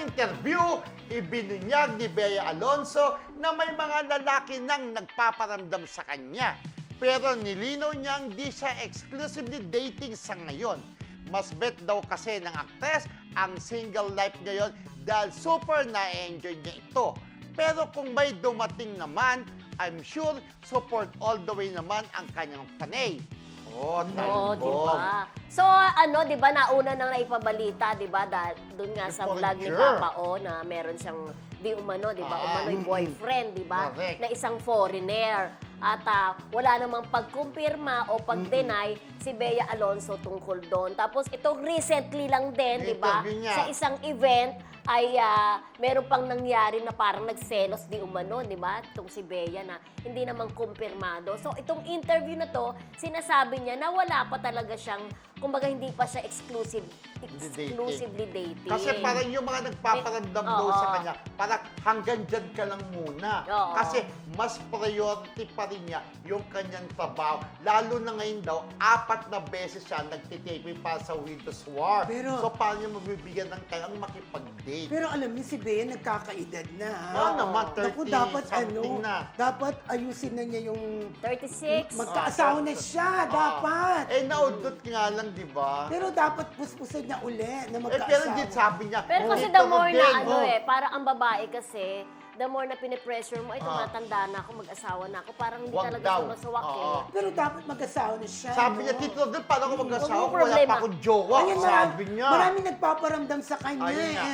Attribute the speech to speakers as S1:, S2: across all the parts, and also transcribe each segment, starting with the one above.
S1: interview, ibinunyag ni Bea Alonzo na may mga lalaki nang nagpaparamdam sa kanya. Pero nilinaw niyang di siya exclusively dating sa ngayon. Mas bet daw kasi ng aktres ang single life ngayon dahil super na-enjoy niya ito. Pero kung may dumating naman, I'm sure support all the way naman ang kanyang panay. Oh,
S2: Oo,
S1: talbog.
S2: diba? So, di ba, nauna nang naipabalita, di ba, doon nga sa vlog ni
S1: Foreigner.
S2: Papa O na meron siyang di umano, di ba,
S1: Ah,
S2: umano'y boyfriend, di ba,
S1: correct.
S2: na isang foreigner. At wala namang pagkumpirma o pag-deny si Bea Alonzo tungkol doon. Tapos ito recently lang din, di ba,
S1: Interview niya.
S2: sa isang event ay meron pang nangyari na parang nagselos di umano, di ba? Itong si Bea na hindi naman kumpirmado. So itong interview na to, sinasabi niya na wala pa talaga siyang, kumbaga hindi pa siya exclusively dating.
S1: Kasi parang yung mga nagpaparamdam daw
S2: Oo.
S1: sa kanya, parang hanggang dyan ka lang muna.
S2: Oo.
S1: Kasi mas priority pa rin niya yung kanyang trabaho. Lalo na ngayon daw, 4 na beses siya nagtitaping para sa Windows War.
S3: Pero-
S1: so paano niya mabibigyan ng kayang makipag-date?
S3: Pero alam niyo, si Bea nagkakaedad na. ha?
S1: Oo naman, 30
S3: Naku, dapat
S1: something na.
S3: dapat ayusin na niya yung
S2: 36.
S3: magkaasawa na siya, dapat.
S1: Eh, naudot nga lang, di ba?
S3: Pero dapat puspusan niya uli na magkaasawa.
S1: Pero hindi sabi niya.
S2: Pero kasi
S1: dito
S2: the more
S1: din,
S2: na
S1: oh.
S2: parang ang babae kasi, the more na pinipressure mo, ay tumatanda na ako, mag-asawa na ako, parang hindi
S1: Wag
S2: talaga
S1: daw.
S2: siya masawak
S1: Oo.
S3: Pero dapat mag-asawa na siya.
S1: Sabi
S3: no?
S1: niya, Tito Rodel, paano ko mag-asawa
S2: Huwag mo
S1: kung wala
S2: problema.
S1: pa akong jowa?
S3: Ayun,
S1: Sabi niya.
S3: Maraming nagpaparamdam sa kanya.
S1: Ayun nga.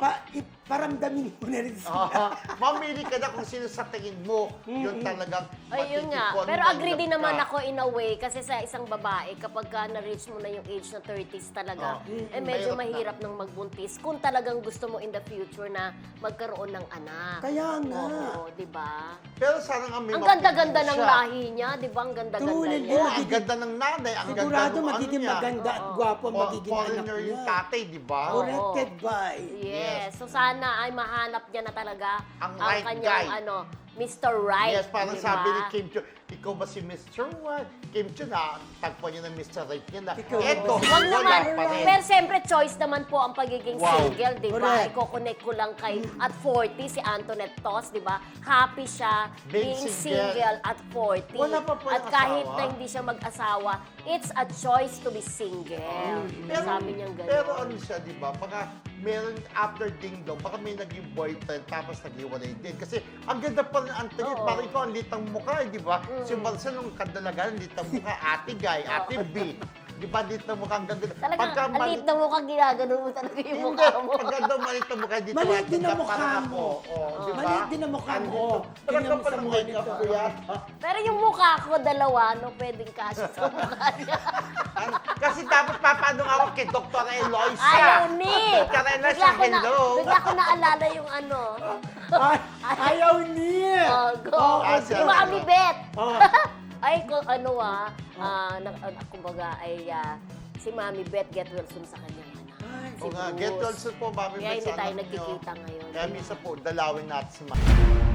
S3: Paramdamin mo na rin sila.
S1: Mamili ka na kung sino sa tingin mo yung talagang
S2: Ayun nga.
S1: matitipon
S2: Pero
S1: mo,
S2: agree din
S1: ka.
S2: naman ako in a way kasi sa isang babae, kapag ka na-reach mo na yung age na 30s talaga, medyo mahirap nang magbuntis kung talagang gusto mo in the future na magkaroon ng anak.
S3: Kaya nga.
S2: Oo, di ba?
S1: Pero sana nga may
S2: Ang ganda-ganda
S1: mapipili
S2: ng
S1: siya.
S2: lahi niya, di ba? Ang ganda-ganda
S3: Tulad
S2: niya.
S3: din.
S1: Oo, ang ganda ng nanay, ang ganda
S3: Sigurado
S1: ng
S3: magiging
S1: ano niya.
S3: maganda at gwapo ang magiging anak
S1: Foreigner
S3: niya.
S1: yung tatay, di ba?
S3: Corrected by.
S2: Yes. So sana ay mahanap niya na talaga
S1: Ang right
S2: kanyang
S1: guy.
S2: Mr. Right.
S1: Yes, parang
S2: di ba?
S1: sabi ni Kim Chiu, ikaw ba si Mr. What? Kim Chiu na, tagpo niya ng Mr. Right niya na,
S3: Ikaw
S1: eto,
S3: ba?
S2: Wag
S1: wala
S2: naman.
S1: pa rin.
S2: Pero siyempre, choice naman po ang pagiging
S1: Wow.
S2: single, di ba?
S3: Correct.
S2: Iko-connect ko lang kay at 40, si Antoinette Tos, di ba? Happy siya
S1: Being
S2: being
S1: single.
S2: single at 40.
S1: Wala pa po
S2: At
S1: yung
S2: kahit
S1: asawa.
S2: na hindi siya mag-asawa, it's a choice to be single. Sabi niyang gano'n.
S1: Pero ano siya, di ba? Baka meron after Ding Dong, baka may naging boyfriend tapos naghiwalay din. Kasi ang ganda pa rin, Antoinette,
S2: Oo.
S1: parang ikaw ang litang mukha, di ba? Si Marcel, nung kadalagan, litang mukha, Ate Guy, Ate B. Di ba, litang mukha, ang ganda.
S2: Talagang, alit na mukha, ginagano mo talaga yung
S1: Hindi,
S2: mukha mo.
S1: pagka maliit na mukha dito.
S3: Maliit din ang
S1: parang
S3: mukha
S1: ako.
S3: mo.
S1: Oh, di ba?
S3: Maliit din ang mukha mo.
S1: Talaga
S3: Tingnan mo
S1: pala
S3: sa
S1: mukha
S3: monitor.
S1: ko kuya.
S2: Pero yung mukha ko, dalawa, no? Pwedeng kasya sa mukha niya.
S1: Kasi dapat papaano ako kay Dr. Eloisa.
S2: Ayaw ni!
S1: Dr. Eloisa, hello.
S2: Bigla ko naalala yung ano.
S3: Ay, ayaw niya.
S2: Oh, go.
S1: Ah,
S2: Si
S1: siya.
S2: Mami Bet.
S3: Oh.
S2: Ay, kumbaga ay si Mami Bet get well soon sa kanyang anak.
S3: Ay,
S2: Si
S1: O nga,
S2: Bruce.
S1: get well soon po, Mami.
S2: Kaya hindi
S1: Betsana
S2: tayo
S1: ninyo.
S2: nagkikita ngayon.
S1: Kaya minsan po, dalawin natin si Mami.